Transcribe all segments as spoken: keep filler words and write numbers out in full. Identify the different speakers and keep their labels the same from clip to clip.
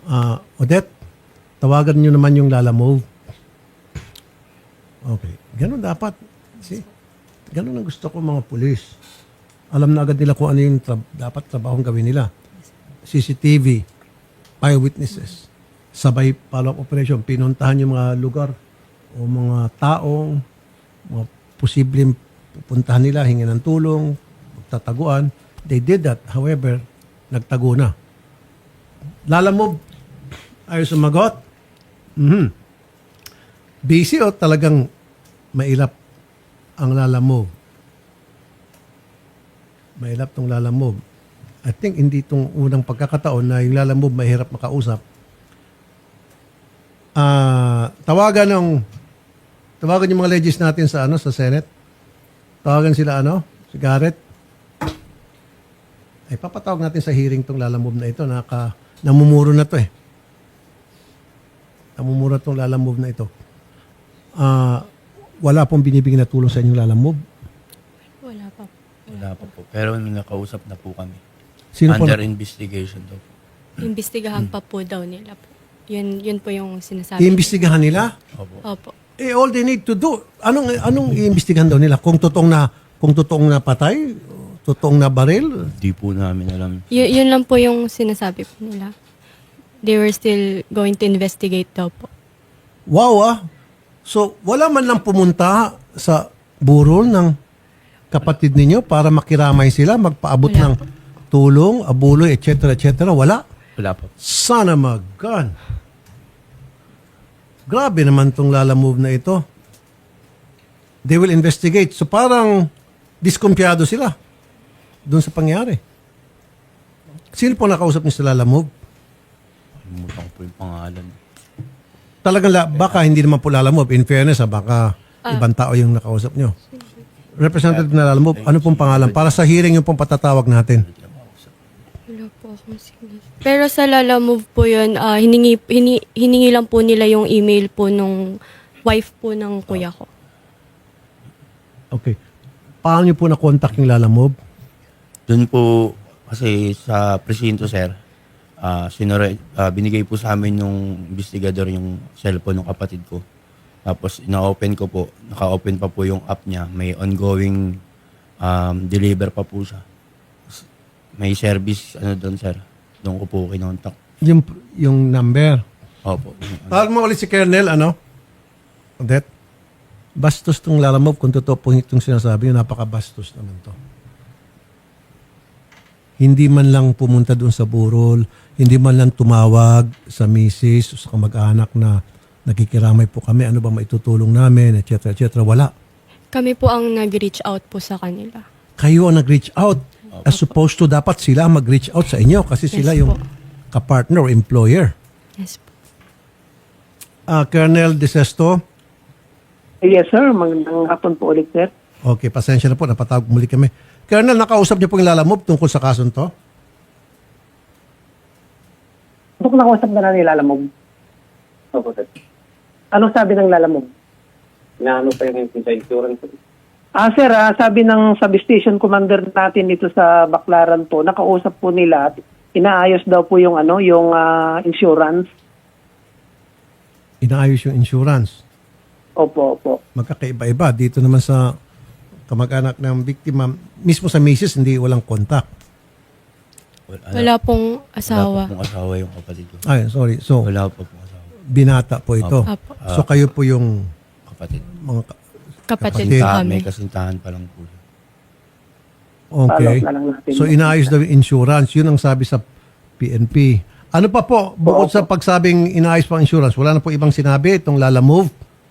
Speaker 1: Ah, Odette, tawagan nyo naman yung Lala Move. Okay. Ganun dapat. See? Ganun ang gusto ko mga pulis. Alam na agad nila kung ano yung tra- dapat trabahong gawin nila. C C T V, eyewitnesses, sabay follow-up operation, pinuntahan yung mga lugar o mga taong, mga posibleng pupuntahan nila, hingin ng tulong, magtataguan. They did that. However, nagtago na. Lala Move, ayaw sumagot. Mhm. Busy o talagang mailap ang Lala Move? Mailap tong Lala Move. I think hindi itong unang pagkakataon na yung Lala Move mahirap makausap. Ah, tawagan ng tawagan yung mga legis natin sa ano sa Senate. Tawagan sila ano, si Garrett. Ay papatawag natin sa hearing tong Lala Move na ito, naka namumuro na to eh. Namumuro tong Lala Move na ito. Ah, wala pong binibigyan na tulong sa inyong Lala Move.
Speaker 2: Wala pa po.
Speaker 3: Wala pa po. Pero may nakausap na po kami.
Speaker 1: Sino po
Speaker 3: Under
Speaker 1: na-
Speaker 3: investigation daw po.
Speaker 2: Imbestigahan pa po daw nila po. Yun, yun po yung sinasabi.
Speaker 1: iimbestigahan nila?
Speaker 3: Opo.
Speaker 2: Opo.
Speaker 1: Eh, all they need to do, anong anong iimbestigahan daw nila? Kung totoong na kung totoong na patay, totoong na baril?
Speaker 3: Di po namin alam.
Speaker 2: Y- yun lang po yung sinasabi po nila. They were still going to investigate daw po.
Speaker 1: Wow ah. So, wala man lang pumunta sa burol ng kapatid ninyo para makiramay sila, magpaabot
Speaker 2: Wala
Speaker 1: ng tulong, abuloy, et cetera, et cetera. Wala.
Speaker 3: Wala po.
Speaker 1: Sana mag-gun. Grabe naman tong Lala Move na ito. They will investigate. So parang diskumpiyado sila doon sa pangyari. Sino po nakausap niyo sa Lala Move?
Speaker 3: Kalimutan ko po yung pangalan.
Speaker 1: Talagang la, baka hindi naman po Lala Move. In fairness, ha, baka ibang tao yung nakausap niyo. Representative na Lala Move, ano pong pangalan? Para sa hearing yung pong patatawag natin.
Speaker 2: Wala po akong signal. Pero sa Lala Move po yun, ah, hiningi, hini, hiningi lang po nila yung email po nung wife po ng kuya ko.
Speaker 1: Okay. Paano niyo po na-contact yung Lala Move?
Speaker 3: Doon po, kasi sa presinto, sir, ah sinore, ah, binigay po sa amin yung investigador yung cellphone ng kapatid ko. Tapos, ina-open ko po, naka-open pa po yung app niya. May ongoing um, deliver pa po siya. May service, ano doon, sir. Doon ko po kinontak.
Speaker 1: Yung, yung number.
Speaker 3: Opo.
Speaker 1: Tawag mo ulit si Colonel, ano? Odette? Bastos tong Lala Move. Kung totoo po itong sinasabi nyo, napaka-bastos naman to. Hindi man lang pumunta doon sa burol, hindi man lang tumawag sa misis o sa kamag-anak na nakikiramay po kami, ano ba maitutulong namin, et cetera, et cetera. Wala.
Speaker 2: Kami po ang nag-reach out po sa kanila.
Speaker 1: Kayo ang nag-reach out. As supposed to, dapat sila mag-reach out sa inyo kasi sila
Speaker 2: Yes
Speaker 1: yung
Speaker 2: po.
Speaker 1: kapartner o employer.
Speaker 2: Yes po.
Speaker 1: Ah, Colonel De Sesto,
Speaker 4: Yes, sir. Magandang hapon po ulit, sir.
Speaker 1: okay, pasensya na po, napatawag muli kami. Colonel, nakausap niyo po yung Lala Move tungkol sa kasong to?
Speaker 4: Ito kung nakausap na na ni Lalamog. Opo, sir. Anong sabi ng Lalamog?
Speaker 5: Inaano pa yung sa insurance.
Speaker 4: Ah, sir, ah, sabi ng substation commander natin dito sa Baclaran po, nakausap po nila at inaayos daw po yung ano, yung ah, insurance.
Speaker 1: Inaayos yung insurance.
Speaker 4: Opo, opo.
Speaker 1: Magkakaiba-iba. Dito naman sa kamag-anak ng biktima, mismo sa misis, hindi walang contact.
Speaker 3: Wala,
Speaker 2: Wala pong asawa.
Speaker 3: Wala pa pong asawa yung kapatid ko.
Speaker 1: Ay, sorry. So,
Speaker 3: Wala pa pong asawa.
Speaker 1: binata po ito.
Speaker 2: Apo.
Speaker 1: So, kayo po yung
Speaker 3: Kapatid.
Speaker 1: mga... ka-
Speaker 2: Kapatid
Speaker 1: Kapatid.
Speaker 2: po
Speaker 3: Kasintahan,
Speaker 2: kami.
Speaker 3: may kasintahan pa lang po.
Speaker 1: Okay.
Speaker 4: Follow up na lang natin.
Speaker 1: So, inaayos daw yung insurance. Yun ang sabi sa P N P. Ano pa po, bukod sa pagsabing inaayos pa ang insurance, wala na po ibang sinabi itong Lala Move?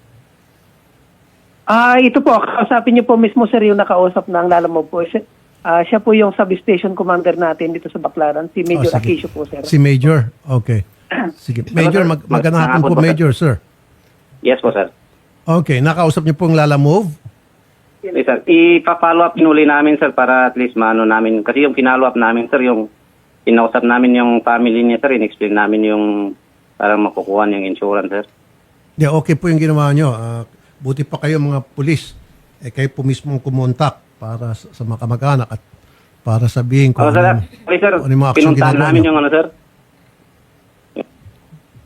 Speaker 4: Ah, ito po, kausapin niyo po mismo, sir, yung nakausap ng Lalamog po. Siya, ah, siya po yung substation commander natin dito sa Baclaran, si Major
Speaker 1: Oh, sige.
Speaker 4: Aquisio po, sir.
Speaker 1: Si Major? Okay. Sige. Major, mag magandang hapon po, Major, sir.
Speaker 5: Yes po, sir.
Speaker 1: Okay. Nakausap niyo po ang Lala Move?
Speaker 5: Yes, sir. Ipa-follow up pinuli namin, sir, para at least maano namin. Kasi yung pinollow up namin, sir, yung pinausap namin yung family niya, sir, in-explain namin yung parang makukuha yung insurance, sir.
Speaker 1: Yeah, okay po yung ginawa nyo. Ah, buti pa kayo mga pulis. Eh, kayo po mismo ang kumontak para sa, sa mga kamag-anak at para sabihin kung
Speaker 5: Oh, sir,
Speaker 1: ano,
Speaker 5: sorry, sir.
Speaker 1: ano yung mga action
Speaker 5: Pinuntahan
Speaker 1: ginagawa
Speaker 5: namin
Speaker 1: nyo.
Speaker 5: yung ano, sir.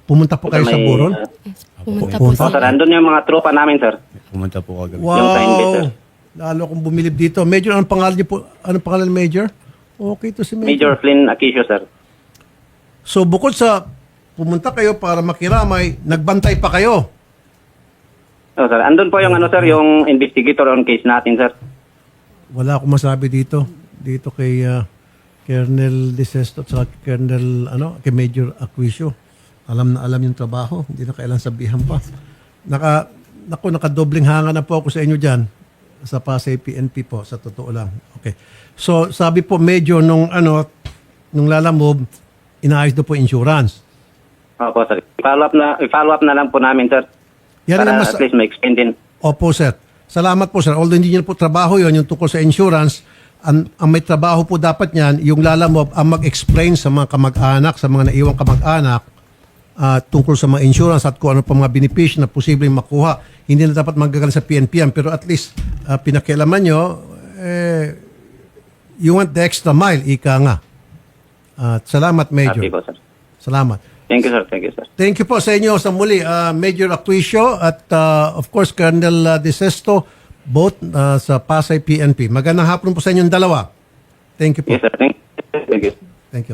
Speaker 1: Pumunta po kayo sa
Speaker 5: May,
Speaker 1: Buron?
Speaker 5: uh,
Speaker 2: Pumunta
Speaker 1: Po-
Speaker 2: po
Speaker 1: punta?
Speaker 5: oh, sir,
Speaker 2: sila.
Speaker 5: andun yung mga tropa namin, sir.
Speaker 3: Pumunta po kagabi.
Speaker 1: Wow!
Speaker 5: Yung time base, sir.
Speaker 1: Lalo akong bumilib dito. Major, anong pangalan niyo po? Anong pangalan, Major? Okay to si Major.
Speaker 5: Major Flynn Aquisio, sir.
Speaker 1: So bukod sa pumunta kayo para makiramay, nagbantay pa kayo.
Speaker 5: Oh, sir. Andun po yung ano, sir, yung investigator on case natin, sir.
Speaker 1: Wala akong masabi dito. Dito kay uh, Colonel De Sesto at saka Colonel ano, kay Major Aquisio. Alam na alam yung trabaho. Hindi na kailan sabihan pa. Naka, naku, nakadobling hanga na po ako sa inyo dyan. Sa Pasay P N P po, sa totoo lang. Okay. So, sabi po, medyo nung ano, nung lalamob, inaayos daw po insurance.
Speaker 5: Opo, sir. I-follow up na, i-follow up na lang po namin, sir.
Speaker 1: Yan
Speaker 5: para
Speaker 1: ang mas-
Speaker 5: at least ma-explain din.
Speaker 1: Opo, sir. Salamat po, sir. Although hindi nyo po trabaho yon yung tungkol sa insurance, ang, ang may trabaho po dapat niyan, yung lalamob, ang mag-explain sa mga kamag-anak, sa mga naiwang kamag-anak, ah, tungkol sa mga insurance at kung ano pa mga benepisyo na posibleng makuha. Hindi na dapat magagaling sa P N P yan, pero at least ah, pinakialaman nyo, eh, you want the extra mile, ika nga. At salamat, Major.
Speaker 5: Happy po, sir.
Speaker 1: Salamat.
Speaker 5: Thank you, sir. Thank you, sir.
Speaker 1: Thank you po sa inyo sa muli, uh, Major Aquisio at uh, of course Colonel uh, De Sesto, both uh, sa Pasay P N P. Magandang hapon po sa inyong dalawa. Thank you po.
Speaker 5: Yes, sir. Thank you. Thank you.